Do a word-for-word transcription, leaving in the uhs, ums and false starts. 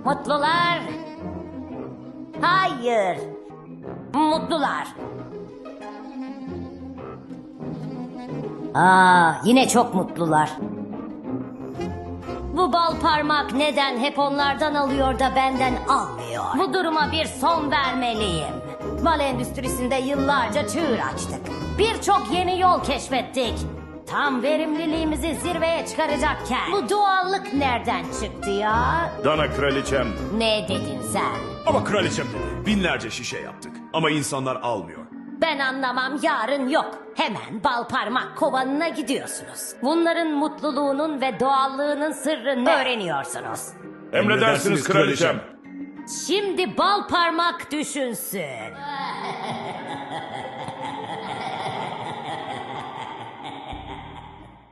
Mutlular. Hayır. Mutlular. Aa, yine çok mutlular. Bu bal parmak neden hep onlardan alıyor da benden almıyor? Bu duruma bir son vermeliyim. Bal endüstrisinde yıllarca çığır açtık. Birçok yeni yol keşfettik. Tam verimliliğimizi zirveye çıkaracakken bu doğallık nereden çıktı ya? Dana kraliçem. Ne dedin sen? Ama kraliçem dedi. Binlerce şişe yaptık. Ama insanlar almıyor. Ben anlamam, yarın yok. Hemen bal parmak kovanına gidiyorsunuz. Bunların mutluluğunun ve doğallığının sırrını öğreniyorsunuz. Emredersiniz kraliçem. Şimdi bal parmak düşünsün.